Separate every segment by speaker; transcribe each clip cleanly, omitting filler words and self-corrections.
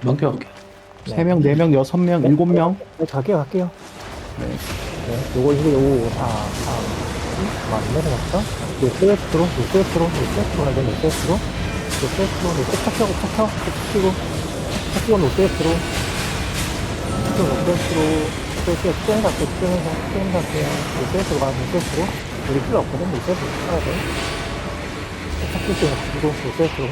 Speaker 1: 오케이 오케이.
Speaker 2: 네.
Speaker 1: 3명, 4명, 6명, 7명.
Speaker 2: 네, 갈게요.
Speaker 1: 네.
Speaker 2: 네, 요거, 이거, 요거, 4, 3, 안 내려갔어? 노스웨스트로 가야 돼, 노스웨스트로, 탁 펴고, 탁 치고, 노스웨스트로, 쭉 갈게요. 노스웨스트로 가, 노스웨스트로. 우리 필요 없거든, 노스웨스트로 가야 돼. 탁 치고, 노스웨스트로.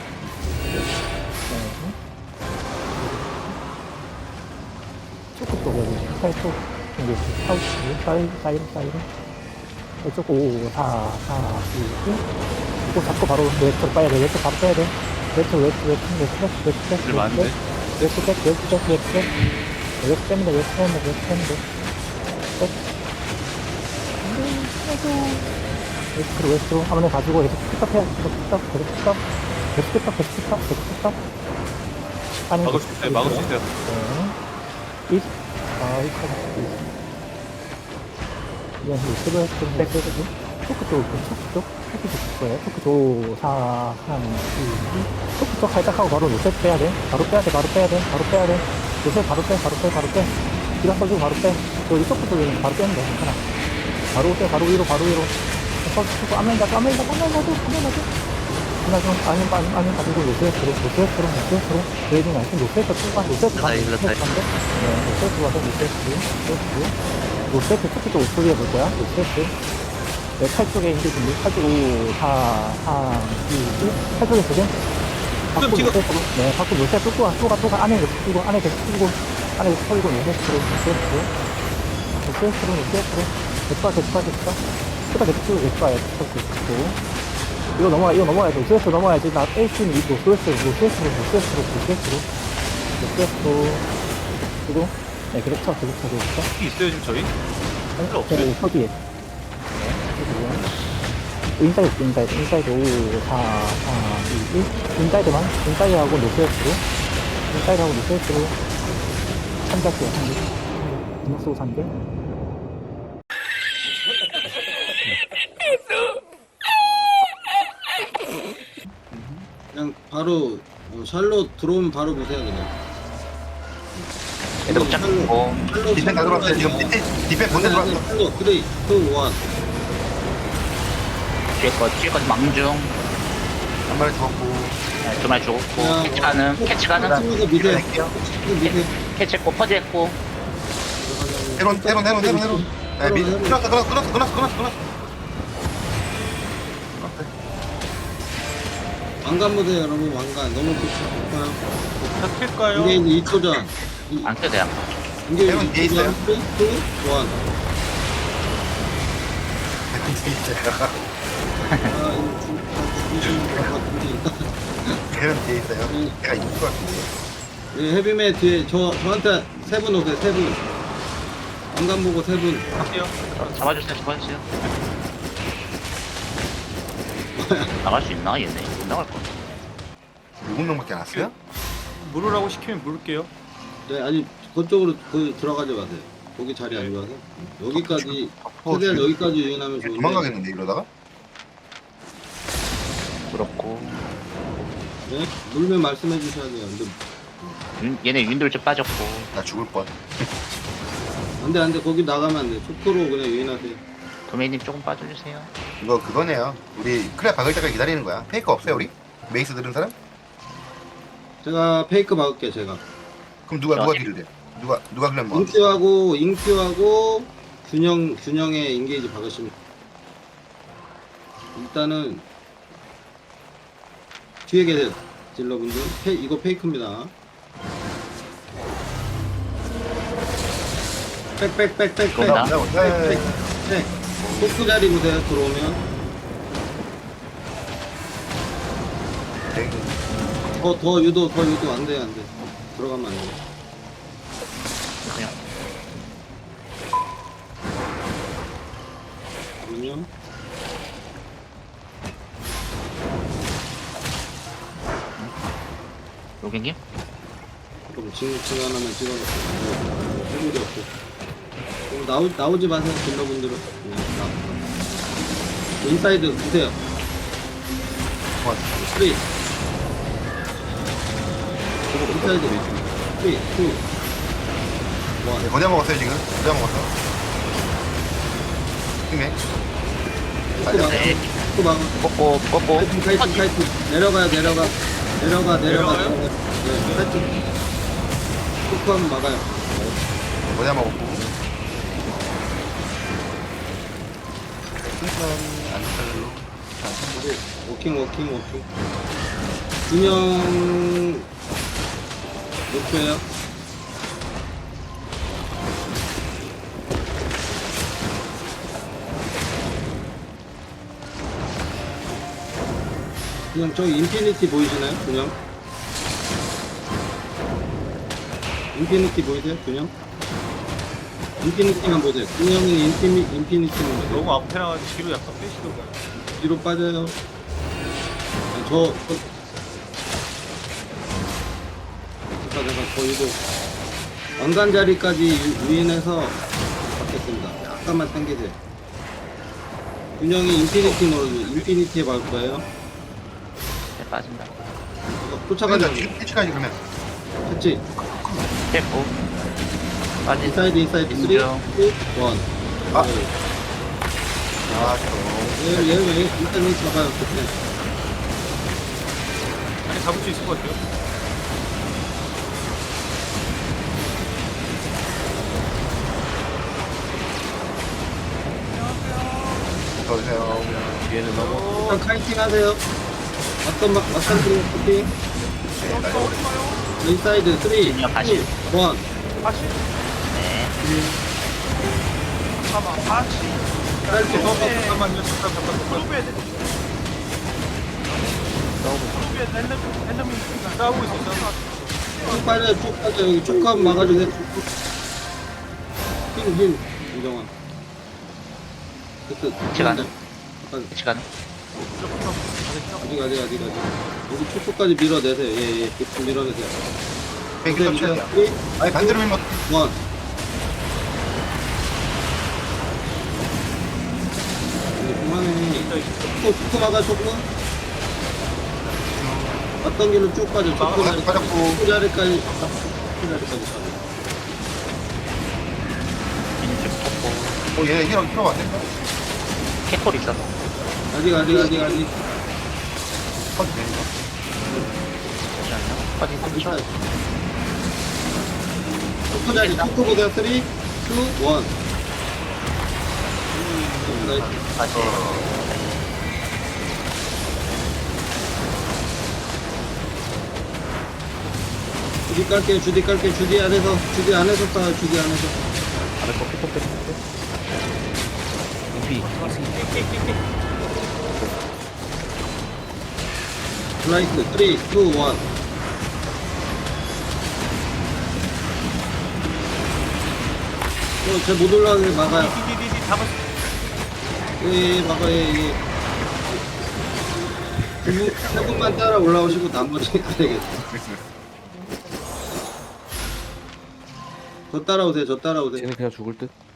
Speaker 2: 초코 쪽, 여기, 살쪽, 이제, 사이로. 이쪽 5, 4, 2, 1. 이거 잡고 바로 웨스트로 빠야 돼. 웨스트 바로 빼야 돼. 웨스트.
Speaker 3: 일 많은데?
Speaker 2: 웨스트 뺍니다. 웨스트로. 한번에 가지고 계속 픽업 해야 돼. 계속 픽업. 아니,
Speaker 3: 막을 수 있어요. 막을 수 있어요.
Speaker 2: 네. 이건 유튜브에 좀 빼고 토크 쪽 거예요. 토크 쪽 4, 3, 2, 1. 토크 쪽 살짝 하고 바로 요셉 빼야 돼. 바로 빼야 돼. 요셉 바로 빼. 기가 써주고 바로 빼. 여기 토크 쪽에 바로 빼면 돼. 괜찮아. 바로 위로. 서주고 아멘 가죠. 아니면 가지고 요셉으로. 레이딩 아니면 요셉으로 출발. 요셉으로 가서 노세트 토끼 쪽 우측에 볼 거야. 노세트. 네, 칼 쪽에 인제 준비. 칼 쪽 5, 4, 3, 2, 1. 칼 쪽에 두 개. 밖으로 노세트로. 네, 밖으로 노세트 또 가. 안에 계속 끼고. 안에 계속 털고 노세트로. 됐다. 끄다 계속 끼고 계속 가요. 이거 넘어가야 돼. 노세트 넘어야지. 나 에이스는 이 노세트로. 그리고 네, 계속 쳐.
Speaker 3: 혹시 있어요 지금 저희? 필요 없어요.
Speaker 2: 네, 서기에. 네, 인사이드 5, 4, 3, 2, 1. 인사이드하고 노스웨스트로. 참작해요, 3개. 분석 쓰고 3개.
Speaker 4: 그냥 바로 샬롯 들어오면 바로 보세요 그냥.
Speaker 5: 애들 못 잡고 디펜 다 들어왔어요. 지금 디펜 본대 들어왔어.
Speaker 4: 샬롯 3, 2, 1.
Speaker 5: 뒤에 거 망중.
Speaker 6: 한 마리 죽었고.
Speaker 5: 네, 2마리 죽었고. 캐치 가능.
Speaker 4: 치면서 미세요.
Speaker 6: 할게요.
Speaker 4: 미세.
Speaker 5: 캐치 했고, 퍼즈 했고.
Speaker 6: 해론. 네, 끊었어.
Speaker 4: 왕관 보세요 여러분. 왕관 너무 좋아요.
Speaker 3: 다 킬까요?
Speaker 4: 이게 이제 2초 전.
Speaker 5: 안 껴도 돼요.
Speaker 4: 이게
Speaker 6: 해론 뒤에 있어요.
Speaker 4: 3, 2, 1. 아 이거 죽이시는 것 같은데.
Speaker 6: 해론 뒤에 있어요. 내가 이길 것 같은데.
Speaker 4: 네, 헤비맨 뒤에 저한테 3분 오세요. 3분. 왕관 보고 3분.
Speaker 3: 할게요.
Speaker 5: 잡아주세요. 나갈 수 있나, 얘네? 못 나갈 것 같아.
Speaker 6: 7명밖에 안 왔어요?
Speaker 3: 물으라고 시키면 물을게요.
Speaker 4: 네, 아니 그쪽으로 들어가지 마세요. 거기 자리 안 좋아서 여기까지 최대한 여기까지 유인하면 좋은데.
Speaker 6: 도망가겠는데 이러다가?
Speaker 5: 그렇고.
Speaker 4: 네? 물면 말씀해 주셔야 돼요.
Speaker 5: 얘네 윈돌 좀 빠졌고.
Speaker 6: 나 죽을 뻔.
Speaker 4: 안돼 거기 나가면 안 돼. 초코로 그냥 유인하세요.
Speaker 5: 도메이님 조금 빠져주세요.
Speaker 6: 이거 그거네요. 우리 크랩 박을 때까지 기다리는 거야. 페이커 없어요 우리? 메이스 들은 사람?
Speaker 4: 제가 페이크 막을게요. 제가
Speaker 6: 그럼 누가 딜을 돼? 누가 그냥 뭐?
Speaker 4: 인큐하고 균형의 인게이지 박으시면 일단은 뒤에 계세요. 딜러분들 이거 페이크입니다. 빽
Speaker 5: 온다.
Speaker 4: 토크 자리 보세요. 들어오면 더 유도 안 돼. 들어가면 안 돼.
Speaker 5: 그냥.
Speaker 4: 그러면
Speaker 5: 로겐님?
Speaker 4: 그럼 지금 하나만 찍어놓고 해물이 없고 그럼 나오지 마세요. 딜러분들은 그냥 인사이드 보세요. 3 인사이드 3, 2, 1.
Speaker 6: 네, 거대 먹었어요 지금. 거대 먹었어. 힘내.
Speaker 4: 또 막아.
Speaker 5: 꺾고
Speaker 4: 카이팅. 내려가.
Speaker 3: 내려가요?
Speaker 4: 네, 카이팅. 툭하면 막아요.
Speaker 6: 거대 먹었고. 풍선 안탈로.
Speaker 4: 워킹. 2명 목표예요. 그냥 저기 인피니티 보이시나요? 2명? 인피니티 보이세요? 2명? 인피니티만 보세요. 2명은 인피니티만 보세요.
Speaker 3: 너무 앞에 나가지고 뒤로 약간 빼시던가요?
Speaker 4: 뒤로 빠져요. 아니, 잠깐, 거의도 왕관 자리까지 유인해서 받겠습니다. 약간만 당기세요. 균형이 인피니티에 갈 거예요.
Speaker 5: 네, 빠진다.
Speaker 4: 쫓아가자.
Speaker 6: 피치까지 그러면.
Speaker 4: 그치?
Speaker 5: 됐고 빠진.
Speaker 4: 인사이드 3, 2, 1.
Speaker 5: 인정.
Speaker 6: 아, 저.
Speaker 4: 얘 일단은 잡아요. 그때.
Speaker 3: 아니 잡을 수 있을 것 같아요.
Speaker 6: 어서오세요.
Speaker 3: 얘는 너무
Speaker 4: 일단 카이팅 하세요. 맞던 팀 카이팅. 인사이드 3, 2, 1.
Speaker 5: 그냥 다시. 네.
Speaker 4: 카이팅.
Speaker 3: 잠깐만요. 싸우고 있어.
Speaker 4: 쭉 빠져. 여기 쭉 하면 막아주세요. 힘. 이정환.
Speaker 5: 시간.
Speaker 4: 잠깐.
Speaker 5: 시간.
Speaker 4: 어디. 여기 축구까지 밀어내세요. 예. 좀 밀어내세요.
Speaker 6: 뱅크
Speaker 4: 보세요.
Speaker 6: 쳐야
Speaker 4: 3, 2, 1.
Speaker 6: 아니 반대로 밀면
Speaker 4: 그만해. 축구 막아, 축구. 어떤 길로 쭉 빠져. 축구 자리.
Speaker 6: 빠졌고.
Speaker 4: 축구 자리까지 가자.
Speaker 6: 얘 히로 왔네.
Speaker 5: 캐콜 있어서.
Speaker 4: 아직.
Speaker 6: 퍼지 되는 거.
Speaker 5: 잠시만요. 빠진 3초.
Speaker 4: 축구 자리. 축구 보세요. 3, 2, 1. 나이스.
Speaker 5: 다시.
Speaker 4: 주디 깔게요. 주디 안에서 싸요. 주디 안에서.
Speaker 5: 인피.
Speaker 4: 블라이트 3, 2, 1. 쟤못 올라가게 막아요.
Speaker 3: 디디디디 잡았어.
Speaker 4: 예, 막아요. 예. 세 분만 따라 올라오시고 나머지 안 되겠다. 저 따라오세요.
Speaker 1: 쟤는 그냥 죽을 듯.